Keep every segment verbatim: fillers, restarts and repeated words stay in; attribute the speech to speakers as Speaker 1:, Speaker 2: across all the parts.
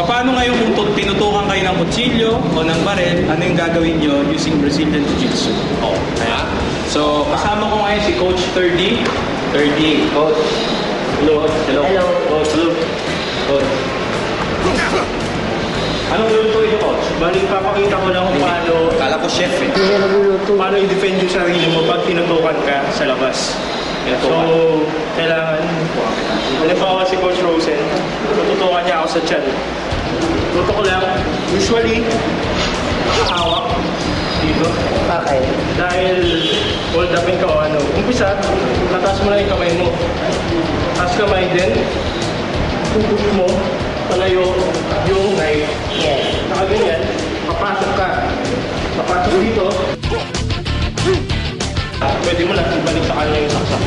Speaker 1: Paano ngayon kung tut- tinutukan kayo ng kutsilyo o ng barel, ano yung gagawin nyo using Brazilian Jiu-Jitsu? Oh, kaya. So, kasama ko ngayon si Coach Thirdy. Thirdy, Coach. Hello, Coach. Hello.
Speaker 2: Hello.
Speaker 1: Coach, hello. Coach. Anong lulutuin niyo, Coach?
Speaker 3: Balik, papakita ko lang kung paano,
Speaker 1: Kala ko chef eh.
Speaker 2: Hindi na nagluluto.
Speaker 3: paano i-defend yung sarili mo pag tinutukan ka sa labas. So, kailangan, halimbawa si Coach Rosen, tututukan niya ako sa tiyan. Tutok ko lang, usually, hawak dito.
Speaker 2: Okay.
Speaker 3: Dahil hold upin ka o ano. Umpisa, tataas mo lang yung kamay mo. Taas kamay din. Tutok mo, palayo yung knife.
Speaker 2: Yes.
Speaker 3: Nakaganyan, papasok ka. Papasok dito. Pwede mo lang ibalik sa kanya yung saksak.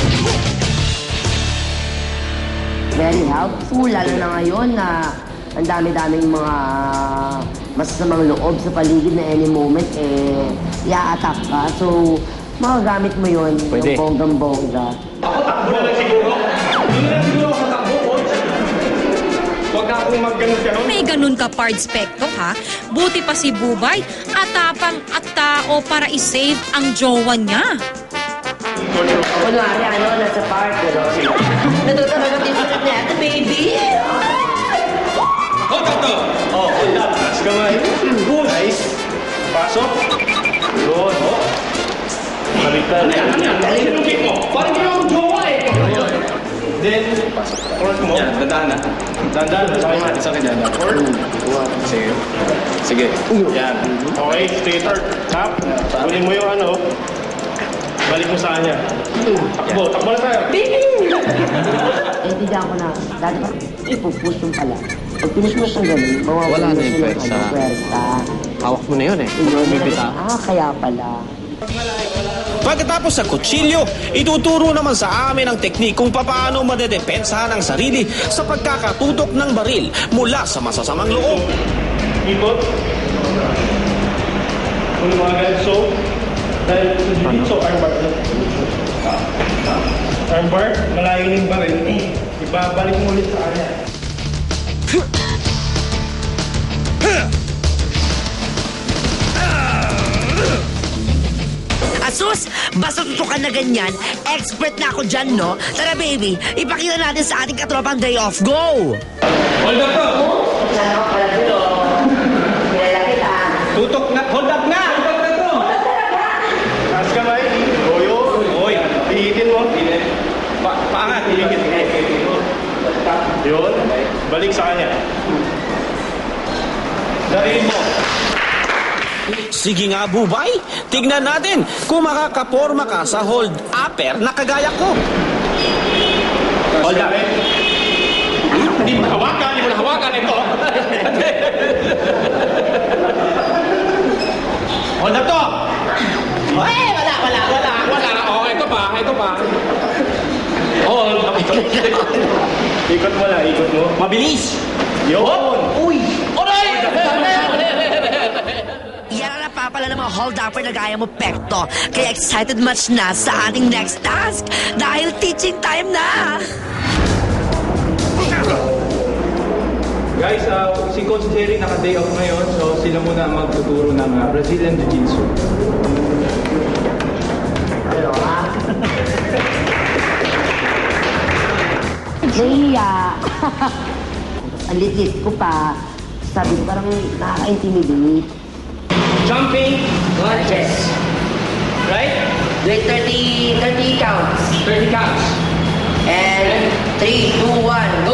Speaker 2: Very helpful, lalo na ngayon na ang dami-daming mga masasamang loob sa paligid na any moment, eh, i-attack ka. So, magagamit mo yun
Speaker 4: Pwede.
Speaker 2: ng bonggang-bongga.
Speaker 3: Ako takbo na lang siguro. Hindi na lang siguro ako takbo, coach. Huwag na akong mag-ganon-ganon.
Speaker 5: May ganun ka part specto ha. Buti pa si Bubay at tapang at tao para i-save ang jowa niya.
Speaker 2: Kunwari, ano, nasa park, gano'n. Natutulog din sa kanya, ito, baby!
Speaker 1: Hold up to!
Speaker 3: Oh, hold up. Taas kamay. Nice. Pasok. Yun. Oh. Baliktad.
Speaker 1: Ano yan? Ano yan? Ano yung kick mo? Parang ginawa akong jowa eh!
Speaker 3: Then, force mo.
Speaker 1: Yan, dadaan na.
Speaker 3: Dandan. Sakay natin.
Speaker 1: Isa ka dyan. Sige. Sige. Yan.
Speaker 3: Okay, straighter. Tap. Kunin mo yung ano. Balik mo sa kanya. Takbo. Takbo na tayo.
Speaker 2: Naintindihan ko na, dati pa, ipupush yung pala. Pag pinush mo siyang ganun, mawawala
Speaker 4: Wala na yung
Speaker 2: siya ng
Speaker 4: pwersa.
Speaker 2: ano, pwersa.
Speaker 4: Hawak mo na yun eh.
Speaker 2: Yun,
Speaker 4: Bibita.
Speaker 2: ah, kaya pala.
Speaker 6: Pagkatapos sa kutsilyo, ituturo naman sa amin ang teknik kung paano madedepensahan ang sarili sa pagkakatutok ng baril mula sa masasamang loob.
Speaker 3: Ikot. Kung mga ganun. So, dahil sa jiu-jitsu, armbar. Armbar, malayo na yung baril. Ibabalik mo ulit sa kanya.
Speaker 7: Asus, basta tutukan na ganyan, expert na ako dyan, no? Tara baby, ipakita natin sa ating katropang day off. Go!
Speaker 1: Hold up to!
Speaker 2: Wala ka pala dito. Kilala kita.
Speaker 1: Tutok na! Hold up na! Hold up na to!
Speaker 3: Taas kamay. Goyo.
Speaker 1: Oy!
Speaker 3: Pihitin mo.
Speaker 1: Pa paangat! Iligit.
Speaker 3: Yun. Balik sa kanya.
Speaker 1: Dariin mo.
Speaker 6: Sige nga, Bubay, tignan natin kung makakaporma ka sa hold upper na kagaya ko.
Speaker 1: Hold up.
Speaker 3: Hindi mo hawakan. Hindi mo na hawakan ito.
Speaker 1: Hold up to! Eh, wala, wala, wala, wala. Oh, ito pa, ito pa. Hold up.
Speaker 3: Ikot mo lang. Ikot mo.
Speaker 1: Mabilis!
Speaker 3: Yun.
Speaker 1: Uy! Oray!
Speaker 7: Yan ang napapala ng mga hold-upper na gaya mo, Pekto. Kaya excited much na sa ating next task dahil teaching time na!
Speaker 1: Guys, uh, si Coach Jerry naka-day off ngayon, so sila muna ang magtuturo ng uh, Brazilian Jiu-Jitsu.
Speaker 2: Pero, ha? Nahiya. Ang lit-lit ko pa. Sabi ko parang nakaka-intimidate.
Speaker 1: Jumping lunges. Right?
Speaker 2: Like thirty, thirty counts.
Speaker 1: thirty counts.
Speaker 2: And three, two, one,